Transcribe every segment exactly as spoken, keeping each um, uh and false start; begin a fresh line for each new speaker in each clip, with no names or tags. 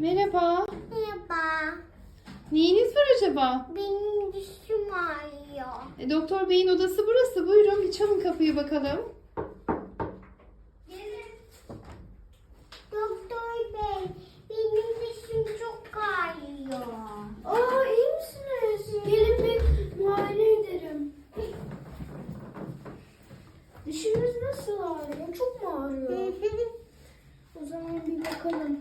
Merhaba.
Merhaba.
Neyiniz var acaba?
Benim dişim ağrıyor.
E, Doktor Bey'in odası burası. Buyurun bir çalın kapıyı bakalım.
Gelin. Doktor bey, benim dişim çok ağrıyor.
Aa, iyi misiniz? Gelin bir muayene ederim. Dişiniz nasıl ağrıyor? Çok mu ağrıyor? O zaman bir bakalım.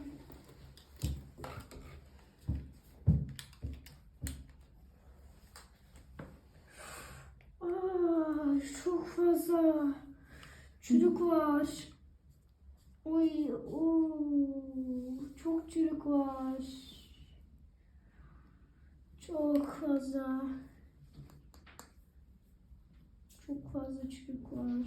Aa, çok fazla çürük var. Oy, oo, çok çürük var. Çok fazla. Çok fazla çürük var.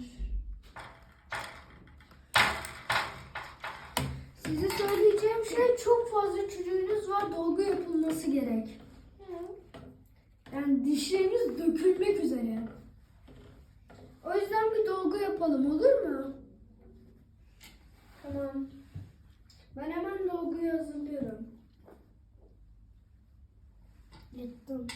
Size söyleyeceğim şey, çok fazla çürüğünüz var. Dolgu yapılması gerek. Yani dişleriniz dökülmek üzere. O yüzden bir dolgu yapalım, olur mu? Tamam. Ben hemen dolguyu hazırlıyorum. Yettim.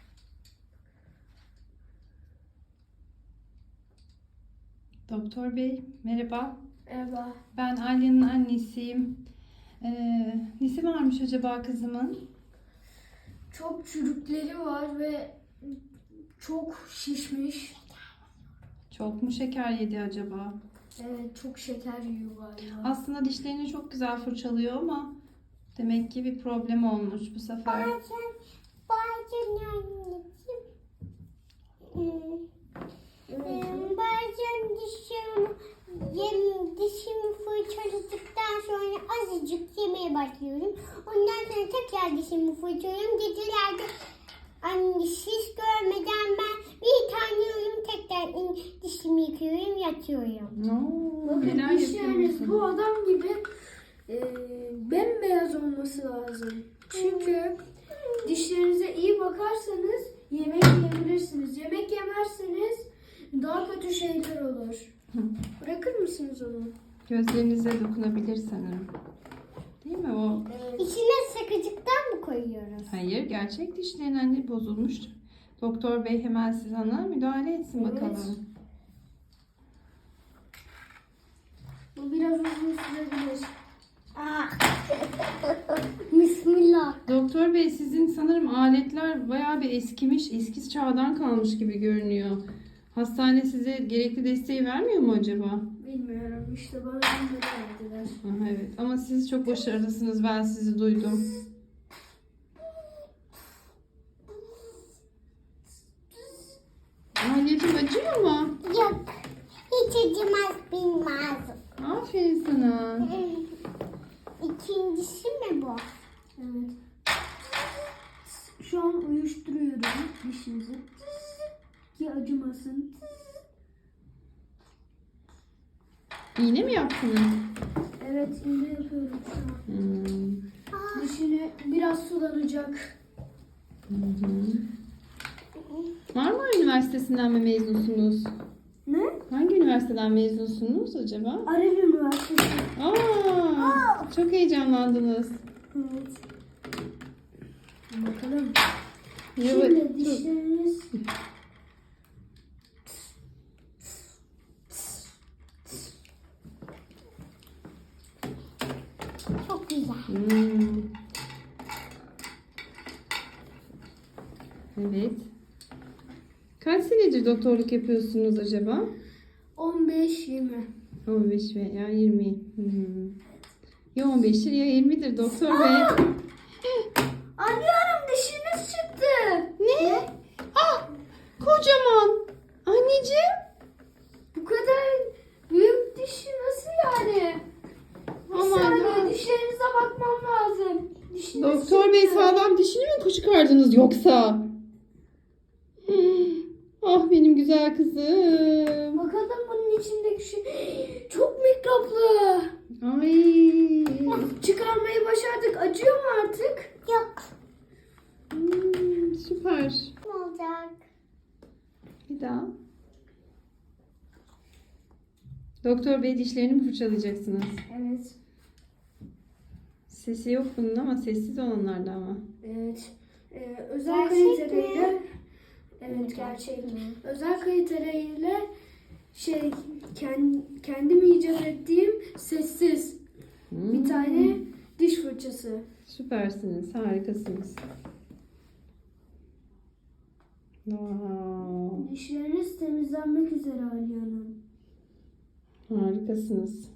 Doktor Bey merhaba.
Merhaba.
Ben Alya'nın annesiyim. Ee, nesi varmış acaba kızımın?
Çok çürükleri var ve çok şişmiş.
Çok mu şeker yedi acaba?
Evet, çok şeker yiyor galiba.
Aslında dişlerini çok güzel fırçalıyor ama demek ki bir problem olmuş bu sefer.
Bazen, bazen anneciğim. Hmm, hmm, Bazen dişim, yem, dişimi fırçaladıktan sonra azıcık yemeye başlıyorum. Ondan sonra tekrar dişimi fırçalıyorum. Gecelerde anne şiş görmeden ben bir tane yiyorum, tekrar in- dişimi yıkıyorum, yatıyorum.
Oo,
Bakın
neler
dişleriniz
yapıyorsun?
bu adam gibi e, bembeyaz olması lazım. Çünkü dişlerinize iyi bakarsanız yemek yiyebilirsiniz. Yemek yemezseniz daha kötü şeyler olur. Bırakır mısınız onu?
Gözlerinize dokunabilir sanırım. Değil mi o?
İçine sakıcıktan mı koyuyoruz?
Hayır, gerçek dişlerin anne bozulmuş. Doktor Bey hemen siz ona müdahale etsin
Evet.
bakalım.
Bu biraz uzun sürebilir.
Ah. Bismillah.
Doktor Bey sizin sanırım aletler bayağı bir eskimiş, eski çağdan kalmış gibi görünüyor. Hastane size gerekli desteği vermiyor mu acaba?
Bilmiyorum, işte bana bunları verdiler.
Aha, evet ama siz çok başarılısınız, ben sizi duydum. Anneciğim acıyor mu?
Yok. Hiç acımaz, bilmez.
Aferin sana.
İkincisi mi bu?
Evet. Şu an uyuşturuyorum dişinizi. Ki acımasın.
İğne mi yaptınız?
Evet, iğne yapıyorum şu an.
Hmm.
Dişini biraz sulanacak.
Hı hı. Marmara Üniversitesi'nden mi mezunsunuz?
Ne?
Hangi üniversiteden mezunsunuz acaba?
Arel Üniversitesi.
Aa, çok heyecanlandınız.
Evet. Bakalım.
Evet.
Şimdi dişleriniz...
Çok güzel.
Hmm. Evet. Kaç senedir doktorluk yapıyorsunuz acaba?
on beş yirmi.
on beş veya yirmi. Hmm. Ya on beştir ya yirmidir doktor bey.
Anlıyorum, dişiniz çıktı.
Ne? Ah, kocaman. Anneciğim.
Bu kadar büyük dişi nasıl yani? Bir
Aman
saniye,
ha.
dişlerinize bakmam lazım. Dişiniz
Doktor bey
çıktı.
sağlam dişini mi çıkardınız yoksa? Hmm. Ah benim güzel kızım.
Bakalım bunun içindeki şey çok mikroplu.
Ay.
Çıkarmayı başardık. Acıyor mu artık?
Yok.
Hmm, süper.
Ne olacak?
Bir daha. Doktor bey dişlerini mi fırçalayacaksınız?
Evet.
Sesi yok bunun ama sessiz olanlarda ama.
Evet. Ee, özel
Gerçek
kaliteleriyle
mi?
evet gerçek. Özel kaliteleriyle şey kendi, kendim icat ettiğim sessiz
Hmm.
bir tane diş fırçası.
Süpersiniz, harikasınız. Wow,
Dişleriniz temizlenmek üzere Aliye Hanım.
harikasınız.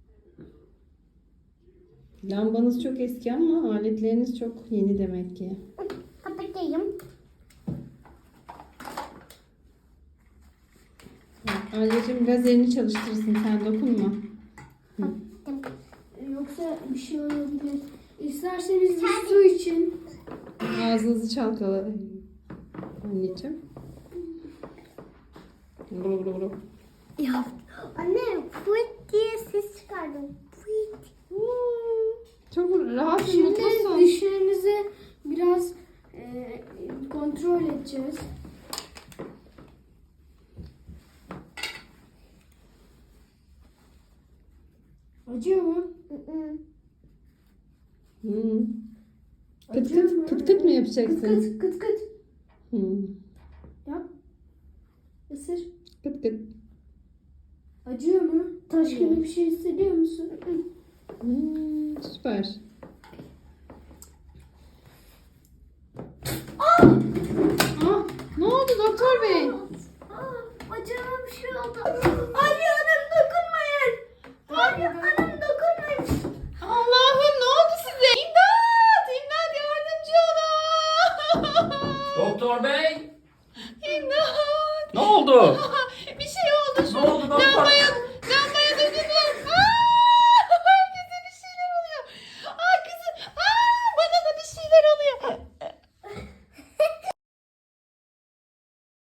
Lambanız çok eski ama aletleriniz çok yeni demek ki.
Kapatayım.
Alyacığım biraz elini çalıştırırsın, sen dokunma.
Yoksa bir şey olabilir. İsterseniz bir su için.
Ağzınızı çalkala. Anneciğim. Gulu gulu gulu.
Ya anne fıt diye ses çıkardım. Fıt. Hmm.
Çok rahat ve
Şimdi
mutlusun.
dişlerinizi biraz e, kontrol edeceğiz. Acıyor mu?
Mm-mm.
Hmm. Kıt
Acıyor mu?
kıt, kıt kıt mı yapacaksın?
Kıt kıt kıt kıt.
Hmm.
Yap. Isır.
Kıt kıt.
Acıyor mu? Taş gibi bir şey hissediyor musun?
Hmm, süper.
Ah!
Ah, ne oldu doktor bey?
Aa, acaba bir şey oldu. Aliye Hanım dokunmayın. Aliye Hanım dokunmayın.
Allah'ım ne oldu size? İmdat! İmdat yardımcı olun!
Doktor bey,
İmdat!
ne oldu?